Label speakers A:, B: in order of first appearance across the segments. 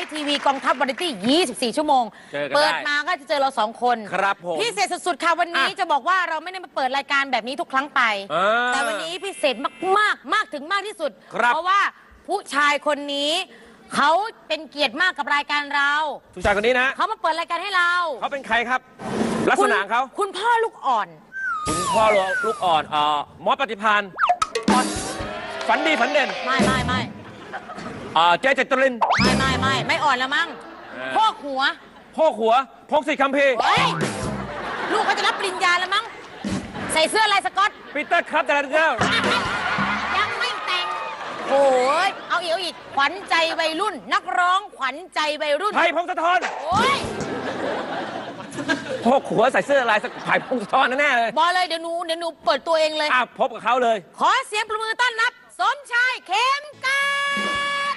A: ทีวีกองทัพวาไรตี้ 24 ชั่วโมงเปิดมาก็จะเจอเรา2 คน
B: ครับผม
A: พิเศษสุดๆค่ะวันนี้จะบอกว่าเราไม่ได้มาเปิดรายการแบบนี้ทุกครั้งไปแต่วันนี้พิเศษมากถึงมากที่สุดเพราะว่าผู้ชายคนนี้เขาเป็นเกียรติมากกับรายการเรา
B: ผู้ชายคนนี้นะ
A: เขามาเปิดรายการให้เรา
B: เขาเป็นใครครับลักษณะเขา
A: คุณพ่อลูกอ่อน
B: คุณพ่อลูกอ่อนมอสปฏิภาณฝันดีฝันเด่น
A: ไม่
B: เจ๊เจตริน
A: ไม่อ่อนแล้วมั้งพ่อหัว
B: พงศิษฐ์คัมภีร์
A: ลูกเขาจะรับปริญญาแล้วมั้งใส่เสื้อลายสก๊อต
B: ปีเตอร์ครับแต่ละเจ้า
A: ยังไม่แต่งโอ้ยเอาอีกขวัญใจวัยรุ่นนักร้องขวัญใจวัยรุ่น
B: ไผ่พงศธร
A: โอ้ย
B: พ่อหัวใส่เสื้อลายไผ่พงศธรแน่เลย
A: บอกเลยเดี๋ยวหนูเปิดตัวเองเลย
B: พบกับเขาเลย
A: ขอเสียงปรบมือต้อนรับสมชายเข็มกลัด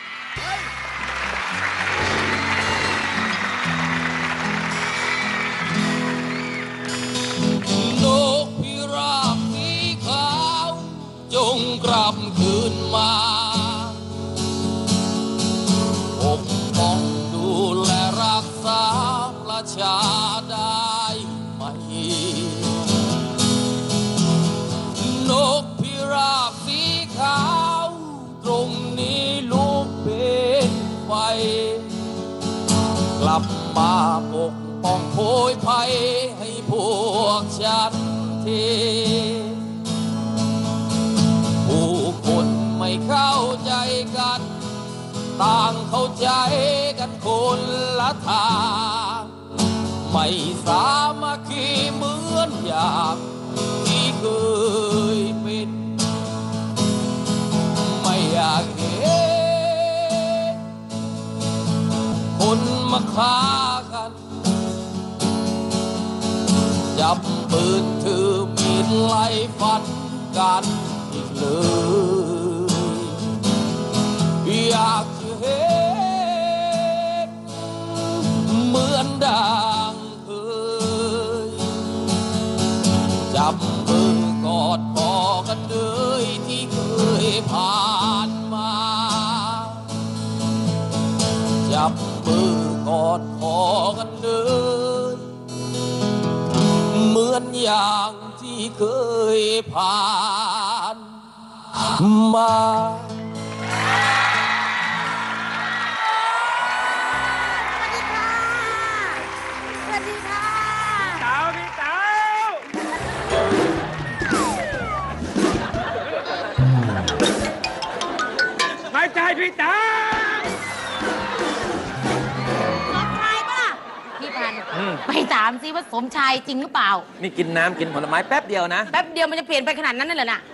C: นกพิราบสีขาวจงกลับคืนมาปกป้องดูแลรักษาประชาได้ไหมนกพิราบสีขาวตรงนี้ลูกเป็นไฟกลับมาปกป้องโพยภัยให้พวกฉันทีผู้คนไม่เข้าใจกันต่างเข้าใจกันคนละทางไม่สามัคคีเหมือนอย่างที่เคยเป็นไม่อยากเห็นคนมาฆ่ากันจับปืนถือมีดไล่ฟันกันอีกเลยอยากเห็นเหมือนดังเคยจับมือกอดคอกันเลยที่เคยผ่านมาจับมือกอดคอกันเลยเหมือนอย่างที่เคยผ่านมา
A: สวัสดีค่ะ
B: พี่เต๋าไม่ใจพี่เต๋า
A: สมชายปะล่ะพี่พันไปถามซิว่าสมชายจริงหรือเปล่า
B: นี่กินน้ำกินผลไม้แป๊บเดียวนะ
A: แป๊บเดียวมันจะเปลี่ยนไปขนาดนั้นเลยเหรอน่ะ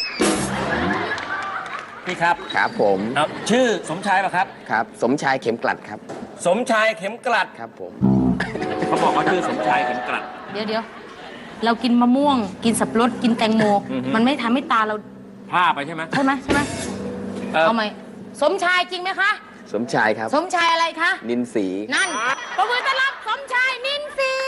B: พี่ครับ
D: ครับผม
B: ชื่อสมชายป่ะครับ
D: ครับสมชายเข็มกลัดครับ
B: สมชายเข็มกลัด
D: ครับผม
B: เขาบอกว่าชื่อสมชายเข็มกลัด
A: เดี๋ยวเรากินมะม่วงกินสับปะรดกินแตงโมมันไม่ทำให้ตาเรา
B: พร่าไปใช่ไหม
A: เอาไหมสมชายจริงไหมคะ
D: สมชายครับ
A: สมชายอะไรคะ
D: นินศรี
A: นั่นปรบมือต้อนรับสมชายนินศรี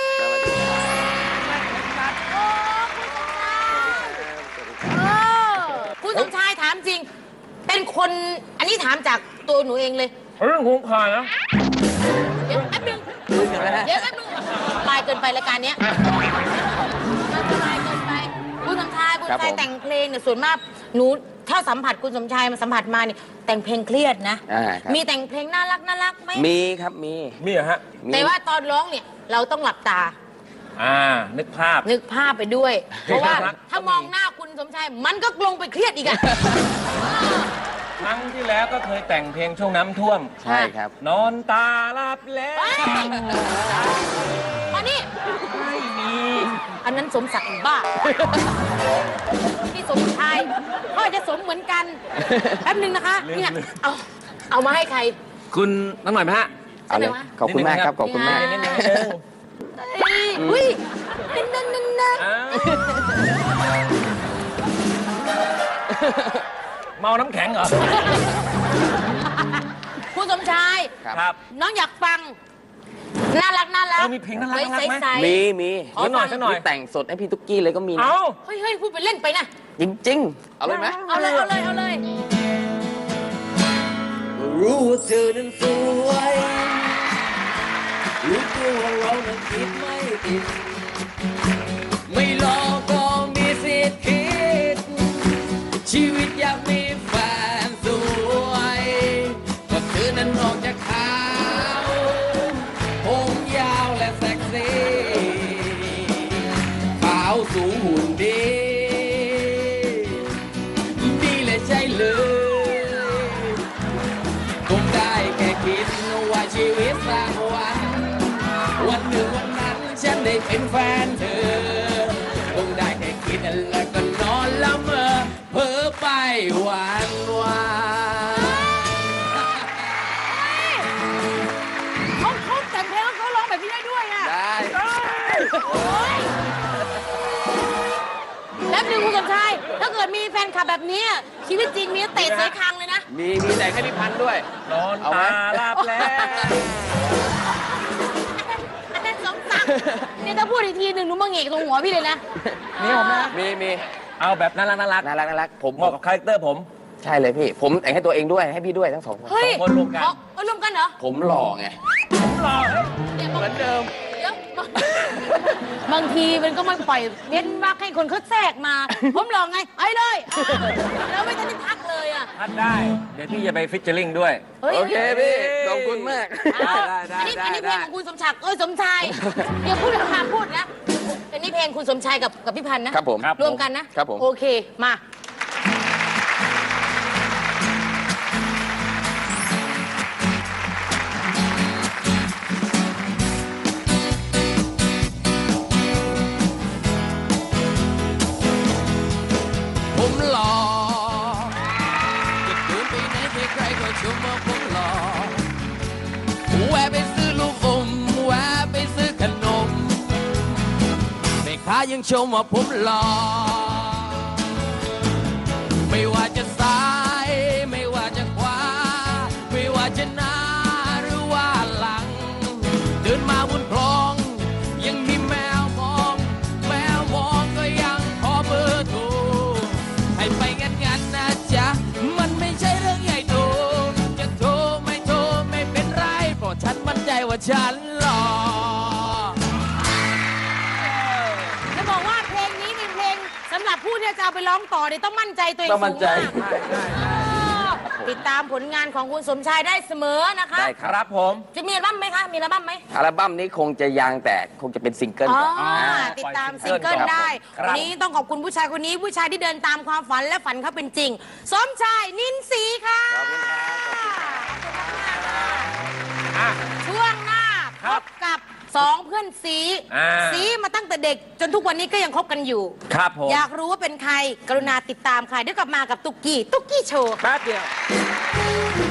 A: คุณสมชายถามจริงเป็นคนอันนี้ถามจากตัวหนูเองเลย
B: เรื่องของข่านะ
A: เดี๋ยวแป๊บนึงลายเกินไปรายการนี้ลายเกินไปคุณสมชายแต่งเพลงเนี่ยส่วนมากหนูถ้าสัมผัสคุณสมชายมาสัมผัสมาเนี่ยแต่งเพลงเครียดนะมีแต่งเพลงน่ารักไหม
D: มีครับมี
B: เหรอฮะ
A: แต่ว่าตอนร้องเนี่ยเราต้องหลับตา
B: นึกภาพ
A: ไปด้วยเพราะว่าถ้ามองหน้าคุณสมชายมันก็ลงไปเครียดอีกอะ
B: ครั้งที่แล้วก็เคยแต่งเพลงช่วงน้ำท่วม
D: ใช่ครับ
B: นอนตาหลับแล้ว
A: อันนี้
B: ไม่มี
A: อันนั้นสมศักดิ์บ้าที่สมชายพ่อจะสมเหมือนกันแป๊บนึงนะคะเนี่ยเอามาให้ใคร
B: คุณตั้งหน่อยไหมฮะ
D: เอาเลยขอบคุณมากครับขอบคุณมาก
A: อุ้ยนั่น
B: เมาน้ำแข็งเหรอ
A: คุณสมชาย
B: ครับ
A: น้องอยากฟังน่ารัก
B: มีเพลงน่ารักไหม
D: มี
B: ขอหน่อย
D: แต่งสดให้พี่ตุ๊กกี้เลยก็มีนะ
A: เฮ้ยพูดไปเล่นไปนะ
D: จริงๆเอาเลยไหม
A: เอาเลย
C: รู้ว่าเธอนั้นสวยรู้ตัวว่าเรานั้นคิดไม่ติดไม่รอก็มีสิทธิ์คิดชีวิตอยากมีแฟนสวยก็เธอนั้นออกจากขาวผมยาวและเซ็กซี่ขาวสูงหุ่นดีดีเลยใช่เลยผมได้แค่คิดว่าชีวิตสักวันหนึ่งวันนั้นฉันได้เป็นแฟนเธอคงได้แค่คิดแล้วก็นอนละเมอเพ้อไปวันวาน
A: เขาแต่งเพลงแล้วเขาร้องแบบนี้ได้ด้วยอ่ะ
D: ได้
A: แล้วหนึ่งคุณสมชายถ้าเกิดมีแฟนคลับแบบนี้ชีวิตจริงมีเตะเสยคางเลยนะ
D: มีแต่งให้พี่พันธุ์ด้วย
B: นอน
D: เอาไหม
B: ตาลาบแล้ว
A: อันนั้นสมศักดิ์นี่ถ้าพูดอีกทีหนึ่งหนูมาเหงกตรงหัวพี่เลยนะ
D: มีผมนะมี
B: เอาแบบน่ารักน่ารัก
D: น่ารักผม
B: เหมาะกับคาแรคเตอร์ผม
D: ใช่เลยพี่ ผมแต่งให้ตัวเองด้วยให้พี่ด้วยทั้งสองคน
A: เฮ้ย
B: คนรวมกัน
A: เอารวมกันเหรอ
D: ผมหล่อไง
B: ผมรอ
A: เนี่ย
D: เหมือนเดิม
A: เดี๋ยวบางทีมันก็ไม่ปล่อยเว้นวักให้คนเขาแทรกมา ผมลองไงไอ้เลยแล้วไม่ทันได้พักเลยอ่ะ
B: ทัดได้ เดี๋ยวพี่จะไปฟิชเชอร์ลิงด้วย
A: ฮ้ย
D: โอเคพี่ขอบคุณมาก
B: ได้
A: อันนี้เพลงของคุณสมศักดิ์สมชายเดี๋ยวพูดคำพูดนะอันนี้เพลงคุณสมชายกับพี่พันธ์นะครับ
D: ผม
A: รวมกันนะครับ
D: ผม
A: โอเคมา
C: ผมหล่อจะเดินไปไหนใครๆก็ชมว่าผมหล่อแวะไปซื้อลูกอมแวะไปซื้อขนมแม่ค้ายังชมว่าผมหล่อไม่ว่าจะซ้ายไม่ว่าจะขวาไม่ว่าจะหน้าหรือว่าหลังเดินมาบนคลองยังมีแมวมองก็ยังขอเบอร์โทรให้ไปงั้นนะจ๊ะมันไม่ใช่เรื่องใหญ่โตจะโทรไม่เป็นไรเพราะฉันมั่นใจว่าฉันหล่อ
A: จะบอกว่าเพลงนี้เป็นเพลงสำหรับผู้ที่จะเอาไปร้องต่อเนี่ยต้องมั่นใจตัวเอง
D: ต้องมั่
A: สู
D: น
A: ง
D: ใจ
A: มากติดตามผลงานของคุณสมชายได้เสมอนะคะ
D: ได้
B: ครับผม
A: จะมีอัลบั้มไหมคะมีอัลบั้มไหม
D: อัลบั้มนี้คงจะยังแต่คงจะเป็นซิงเกิล
A: อ๋อ
D: ก่อน
A: ติดตามซิงเกิลได้
B: ครับ
A: วันนี้ต้องขอบคุณผู้ชายคนนี้ผู้ชายที่เดินตามความฝันและฝันเขาเป็นจริง สมชายนินศรีค่ะ
D: ขอบคุณครับขอบคุณครับ
B: อ่ะ
A: ช่วงหน้า
B: ค
A: พ
B: รับบ
A: กับสองเพื่อนสี
B: อ่า
A: สีมาตั้งแต่เด็กจนทุกวันนี้ก็ยังคบกันอยู่
B: ครับผม
A: อยากรู้ว่าเป็นใคร กรุณาติดตามค่ะเดี๋ยวกลับมากับตุ๊กกี้โชว์
B: แป๊บเดียว